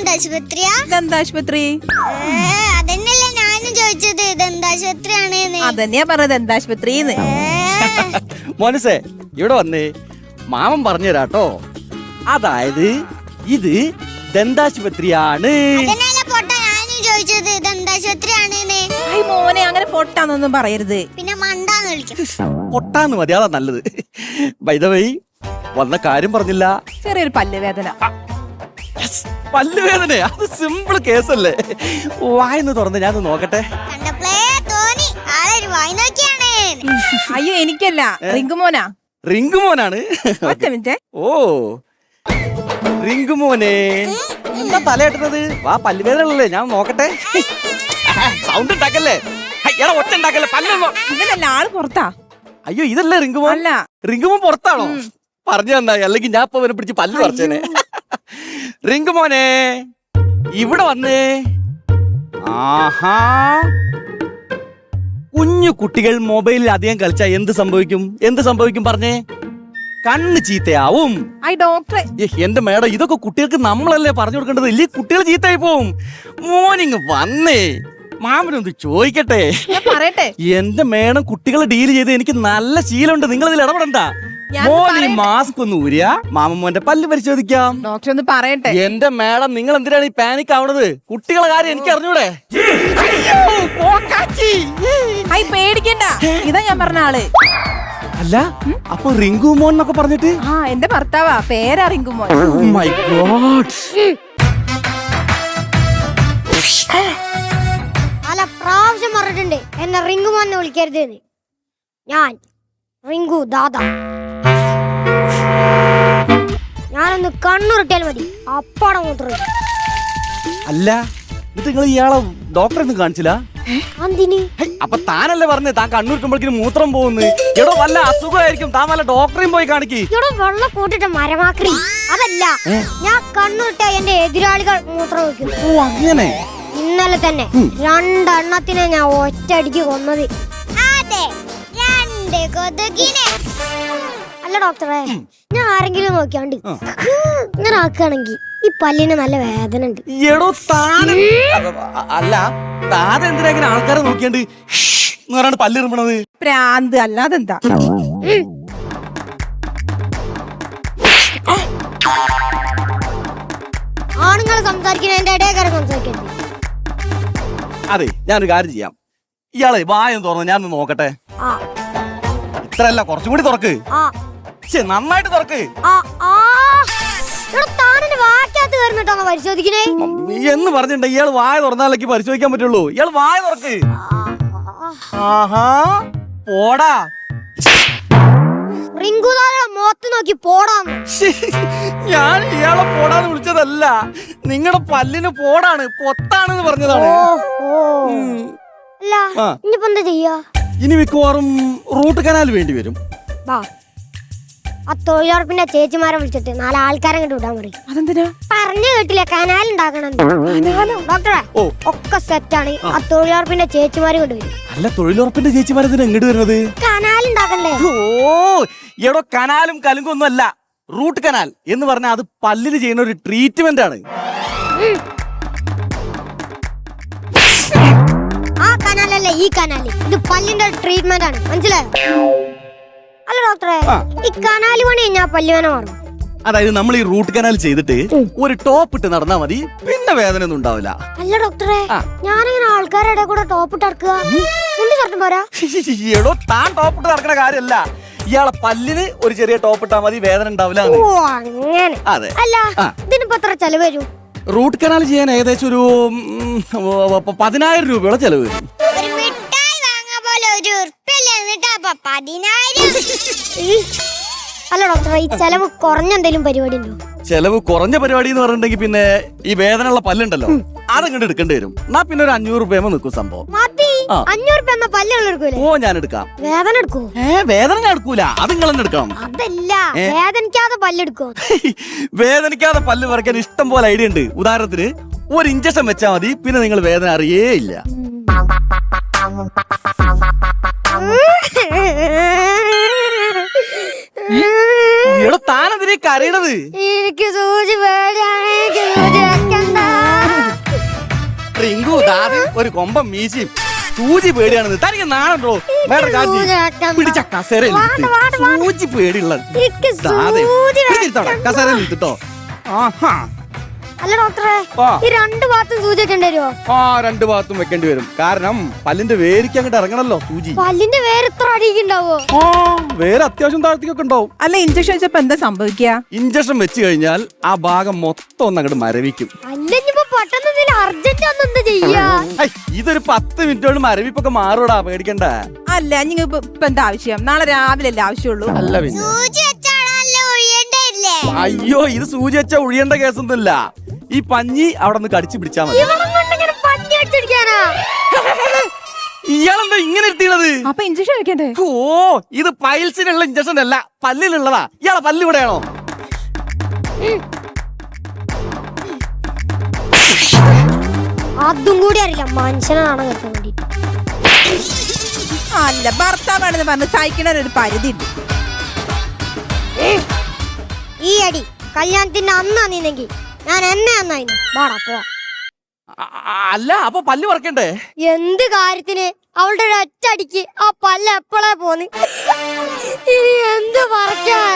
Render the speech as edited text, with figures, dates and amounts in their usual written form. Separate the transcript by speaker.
Speaker 1: ദന്താശുപത്രിയാ?
Speaker 2: ദന്താശുപത്രി
Speaker 1: അതന്നെയല്ലേ ഞാനും ചോദിച്ചത്, ദന്താശുപത്രിയാണ്.
Speaker 2: അതന്നെയാ പറഞ്ഞത്, ദന്താശുപത്രിന്ന്.
Speaker 3: മോനസേ ഇവിടെ വന്നേ, മാമൻ പറഞ്ഞു തരാട്ടോ. അതായത് ഇത് ദന്താശുപത്രിയാണ്.
Speaker 1: ഞാനും ചോദിച്ചത് ദന്താശുപത്രിയാണ്.
Speaker 2: മോനെ അങ്ങനെ പൊട്ടാന്നൊന്നും പറയരുത്,
Speaker 1: പിന്നെ മണ്ടാന്ന് വിളിക്കും.
Speaker 3: പൊട്ടാന്ന് മതി, അതാ നല്ലത്. ബൈ ദ വേ, വന്ന കാര്യം പറഞ്ഞില്ല.
Speaker 2: ചെറിയൊരു പല്ലുവേദന.
Speaker 3: പല്ലുവേദന അത് സിമ്പിൾ കേസല്ലേ. വായന്ന് തുറന്ന് ഞാൻ നോക്കട്ടെ.
Speaker 2: അയ്യോ എനിക്കല്ല, റിങ്കുമോനാ.
Speaker 3: റിങ്കുമോനാണ്. ഓ റിങ്കുമോനെ, എന്താ തലയിട്ടത്? വാ, പല്ലുവേദനല്ലേ, ഞാൻ നോക്കട്ടെ. സൗണ്ട് ഉണ്ടാക്കല്ലേ, എടാ ഒറ്റ ഉണ്ടാക്കല്ലേ.
Speaker 2: ഇവനല്ല, ആള് പുറത്താ.
Speaker 3: അയ്യോ ഇതല്ലേ റിങ്കുമോൻ?
Speaker 2: അല്ല,
Speaker 3: റിങ്കുമോൻ പുറത്താണോ? പറഞ്ഞു തന്നായി, അല്ലെങ്കിൽ ഞാൻ ഇപ്പൊ അവനെ പിടിച്ച് പല്ല് പറിച്ചേനെ. റിങ്കുമോനെ ഇവിടെ വന്നേ. ആഹാ, കുഞ്ഞു കുട്ടികൾ മൊബൈലിൽ അധികം കളിച്ചാൽ എന്ത് സംഭവിക്കും? എന്ത് സംഭവിക്കും പറഞ്ഞേ? കണ്ണ് ചീത്തയാവും.
Speaker 2: ഡോക്ടറെ,
Speaker 3: എന്റെ മേഡം, ഇതൊക്കെ കുട്ടികൾക്ക് നമ്മളല്ലേ പറഞ്ഞു കൊടുക്കേണ്ടത്, ഇല്ലേ കുട്ടികൾ ചീത്തയായി പോവും. മോർണിംഗ് വന്നേ, മാമനൊന്ന് ചോദിക്കട്ടെ.
Speaker 2: പറയട്ടെ.
Speaker 3: എന്റെ മേഡം, കുട്ടികളെ ഡീൽ ചെയ്ത് എനിക്ക് നല്ല ശീലമുണ്ട്, നിങ്ങൾ ഇതിൽ ഇടപെടണ്ട. മോൻ ഈ മാസ്ക് ഒന്ന് ഊരിയ മാമന്റെ പല്ല് പരിശോധിക്കാം.
Speaker 2: ഡോക്ടർ ഒന്ന് പറയട്ടെ.
Speaker 3: എന്റെ മേഡം, നിങ്ങൾ എന്തിനാണ് ഈ പാനിക് ആവണത്? കുട്ടികളെ കാര്യം എനിക്ക് അറിഞ്ഞൂടെ?
Speaker 2: പേടിക്കണ്ട, ഇതാ ഞാൻ പറഞ്ഞ ആള്.
Speaker 3: അല്ല, അപ്പൊ റിങ്കുമോൻ എന്നൊക്കെ പറഞ്ഞിട്ട്?
Speaker 2: എന്റെ ഭർത്താവാ, പേരാ റിങ്കുമോൻ.
Speaker 3: My God.
Speaker 1: പല പ്രാവശ്യം പറഞ്ഞിട്ടുണ്ട് എന്നെ റിങ്കുമോനെ വിളിക്കരുത്. ഞാൻ റിങ്കു ദാദാ. ഞാനൊന്ന് കണ്ണുരുട്ടിയാൽ മതി, അപ്പാടെ മൂത്രം.
Speaker 3: അല്ല, എന്നിട്ട് നിങ്ങൾ ഇയാളെ ഡോക്ടറെ ഒന്നും കാണിച്ചില്ല? അപ്പൊ താനല്ലേ പറഞ്ഞേ താൻ കണ്ണൂരിക്കുമ്പോഴേക്കും മൂത്രം പോകുന്നു? എടോ വല്ല അസുഖമായിരിക്കും, താൻ വല്ല ഡോക്ടറെയും പോയി കാണിക്ക്.
Speaker 1: വെള്ളം കൂട്ടിട്ട് മരമാക്കി. അതല്ല, ഞാൻ കണ്ണുരുട്ട എന്റെ എതിരാളികൾ മൂത്രം വയ്ക്കും.
Speaker 3: ഓ അങ്ങനെ.
Speaker 1: ഇന്നലെ തന്നെ 2 എണ്ണത്തിനെ ഞാൻ ഒറ്റയടിക്ക് കൊന്നത്. അതെ, 2 കൊതുകിനെ. അല്ല ഡോക്ടറെ, ഞാൻ ആരെങ്കിലും നോക്കിയാണ്ട് ഇങ്ങനെ ആക്കുകയാണെങ്കിൽ ഈ പല്ലിന് നല്ല വേദന ഉണ്ട്.
Speaker 3: എടോ അല്ല, താൻ എന്തിനാ ഇങ്ങനെ ആൾക്കാരെ നോക്കിയാണ്ട് പറയാണ്ട് പല്ലിറുമ്പണത്?
Speaker 2: പ്രാന്ത് അല്ലാതെന്താ.
Speaker 1: ആണുങ്ങൾ സംസാരിക്കുന്നതിന്റെ ഇടയിൽ സംസാരിക്കരുത്.
Speaker 3: അതെ, ഞാനൊരു കാര്യം ചെയ്യാം. ഇയാളെ വായം തുറന്ന് ഞാൻ നോക്കട്ടെ. ഇത്രല്ല, കുറച്ചും കൂടി തുറക്ക്. നന്നായിട്ട് തുറക്ക്. എന്ന് പറഞ്ഞിട്ടുണ്ടെങ്കിൽ ഇയാൾ വായ തുറന്നാലേക്ക് പരിശോധിക്കാൻ പറ്റുള്ളൂ. ഇയാൾ വായ തുറക്ക്. ആഹാ, പോടാ.
Speaker 1: മുഖത്ത് നോക്കി പോടാന്ന്.
Speaker 3: ഞാൻ ഇയാളെ പോടാന്ന് വിളിച്ചതല്ല, നിങ്ങളുടെ പല്ലിന് പോടാണ്, പൊത്താണെന്ന് പറഞ്ഞതാണ്.
Speaker 1: എന്താ ചെയ്യാ?
Speaker 3: ഇനി മിക്കവാറും റൂട്ട് കനാൽ വേണ്ടി വരും.
Speaker 1: ആ തൊഴിലുറപ്പിന്റെ ചേച്ചിമാരെ വിളിച്ചിട്ട് 4 ആൾക്കാരെ കണ്ടു വിടാൻ പറയും.
Speaker 2: അതെന്തിനാ?
Speaker 1: പറഞ്ഞു കേട്ടില്ല, കനാൽ ഉണ്ടാക്കണം. ഡോക്ടറെ ഒക്കെ സെറ്റാണ്, ആ തൊഴിലുറപ്പിന്റെ ചേച്ചിമാര് കൊണ്ടുവരും.
Speaker 3: അല്ല, തൊഴിലുറപ്പിന്റെ ചേച്ചിമാരെന്തിനാ ഇങ്ങോട്ട് വരുന്നത്?
Speaker 1: കനാൽ ഉണ്ടാക്കണ്ടേ?
Speaker 3: ഓ എടോ, കനാലും കലുങ്കും ഒന്നും അല്ല. റൂട്ട് കനാൽ എന്ന് പറഞ്ഞാൽ അത് പല്ലിന് ചെയ്യുന്ന ഒരു ട്രീറ്റ്മെന്റ് ആണ്.
Speaker 1: ആ കനാലല്ല ഈ കനാല്, ഇത് പല്ലിന്റെ ട്രീറ്റ്മെന്റ് ആണ്, മനസ്സിലായോ? അല്ല ഡോക്ടറെ, ഈ കനാല് പണി ഞാൻ പല്ലുവേന മാറും.
Speaker 3: അതായത് നമ്മൾ ഈ റൂട്ട് കനാൽ ചെയ്തിട്ട് ഒരു ടോപ്പ് ഇട്ട് നടന്നാ മതി, പിന്നെ വേദന ഒന്നും ഉണ്ടാവില്ല.
Speaker 1: അല്ല ഡോക്ടറെ, ഞാനിങ്ങനെ ആൾക്കാരുടെ കൂടെ ടോപ്പ് ഇട്ട് നടക്കുക, പോരാ?
Speaker 3: എടോ, താൻ ടോപ്പ് ഇട്ട് നടക്കുന്ന കാര്യമല്ല, ഇയാളെ പല്ലിന് ഒരു ചെറിയ ടോപ്പ് ഇട്ടാ മതി, വേദന ഉണ്ടാവില്ല.
Speaker 1: അതെ. അല്ല, ഇതിനിപ്പോ എത്ര ചെലവ് വരും?
Speaker 3: റൂട്ട് കനാൽ ചെയ്യാൻ ഏകദേശം ഒരു 10,000 രൂപയോളം ചെലവ് വരും.
Speaker 1: അല്ല ഡോക്ടറെ, ഈ ചെലവ് കുറഞ്ഞ എന്തെങ്കിലും പരിപാടി ഉണ്ടോ?
Speaker 3: ചെലവ് കുറഞ്ഞ പരിപാടി എന്ന് പറഞ്ഞിട്ടുണ്ടെങ്കിൽ പിന്നെ ഈ വേദനയുള്ള പല്ലുണ്ടല്ലോ, അതങ്ങോട്ട് എടുക്കേണ്ടി വരും. എന്നാ പിന്നെ ഒരു 500 രൂപ നിൽക്കും സംഭവം.
Speaker 1: 500 രൂപ പല്ലുകൾ?
Speaker 3: ഓ, ഞാൻ എടുക്കാം.
Speaker 1: വേദന എടുക്കൂ?
Speaker 3: വേദന ഞാൻ എടുക്കൂല, അത് നിങ്ങൾ തന്നെ എടുക്കണം.
Speaker 1: അതല്ല, വേദനിക്കാതെ പല്ലെടുക്കോ?
Speaker 3: വേദനിക്കാതെ പല്ല് പറിക്കാൻ ഇഷ്ടം പോലെ ഐഡിയ ഉണ്ട്. ഉദാഹരണത്തിന്, ഒരു ഇഞ്ചക്ഷൻ വെച്ചാൽ മതി, പിന്നെ നിങ്ങൾ വേദന അറിയേ ഇല്ല. താനെതിരെ കരയണത്?
Speaker 1: എനിക്ക് സൂചി പേടിയാണ്, സൂചി വെക്കണ്ട.
Speaker 3: റിങ്കു ദാദി ഒരു കൊമ്പം മീശയും സൂചി പേടിയാണെന്ന് തനിക്ക് നാണുണ്ടോ? വേറെ കാശി പിടിച്ച കസേരയിൽ സൂചി പേടിയുള്ള കസേരയിൽ ഇട്ടോ. ആഹാ
Speaker 1: അല്ല ഡോക്ടറെ,
Speaker 3: ആ.
Speaker 1: ഈ 2 ഭാഗത്തും സൂചി വെക്കേണ്ടി വരുമോ?
Speaker 3: ആ 2 ഭാഗത്തും വെക്കേണ്ടി വരും. കാരണം പല്ലിന്റെ വേരിക്ക് അങ്ങോട്ട് ഇറങ്ങണല്ലോ സൂചി.
Speaker 1: പല്ലിന്റെ വേറെ എത്ര അടിക്കുണ്ടാവോ?
Speaker 3: ആ വേറെ അത്യാവശ്യം താഴ്ത്തിക്കൊക്കെ ഉണ്ടാവും.
Speaker 2: അല്ല ഇഞ്ചക്ഷൻ വെച്ചപ്പോ എന്താ സംഭവിക്കുക?
Speaker 3: ഇഞ്ചക്ഷൻ വെച്ച് കഴിഞ്ഞാൽ ആ ഭാഗം മൊത്തം ഒന്ന് അങ്ങോട്ട് മരവിക്കും.
Speaker 1: അല്ലെങ്കിപ്പോ പെട്ടെന്ന് അർജന്റ് ഒന്ന് എന്താ ചെയ്യാ?
Speaker 3: ഇതൊരു 10 മിനിറ്റോട് മരവിപ്പൊക്കെ മാറൂടാ, പേടിക്കണ്ട.
Speaker 2: അല്ല നിങ്ങൾക്ക് ഇപ്പൊ എന്താ ആവശ്യം? നാളെ രാവിലെ അല്ലേ ആവശ്യമുള്ളൂ?
Speaker 3: അല്ല പിന്നെ അയ്യോ ഇത് സൂചി വെച്ചാ ഒഴിയേണ്ട കേസൊന്നുമില്ല. ഈ പഞ്ഞി അവിടെ നിന്ന് കടിച്ചു പിടിച്ചാ മതി. ഇയാളെന്താ ഇങ്ങനെ എത്തിയത്?
Speaker 2: അപ്പൊ ഇഞ്ചക്ഷൻ വെക്കണ്ടേ?
Speaker 3: ഓ ഇത് പൈൽസിനുള്ള ഇഞ്ചക്ഷൻ അല്ല, പല്ലിലുള്ളതാ. ഇയാളെ പല്ല് ഇവിടെയാണോ?
Speaker 1: അതും കൂടി അറിയില്ല മനുഷ്യനാണ് കേൾക്കാൻ വേണ്ടി.
Speaker 2: അല്ല ഭർത്താവാണെന്ന് പറഞ്ഞ് സഹിക്കണ ഒരു പരിധി ഉണ്ട്.
Speaker 1: ഈ അടി കല്യാണത്തിന്റെ അന്ന് അന്നിന്നെങ്കിൽ ഞാൻ എന്നെ അന്നായിരുന്നു. വാടാ പോവാ.
Speaker 3: അല്ല അപ്പൊ പല്ല് പറിക്കണ്ടേ?
Speaker 1: എന്ത് കാര്യത്തിന്? അവളുടെ ഒരു ഒറ്റ അടിക്ക് ആ പല്ല് എപ്പോഴേ പോന്ന്. ഇനി എന്ത് പറിക്കാ?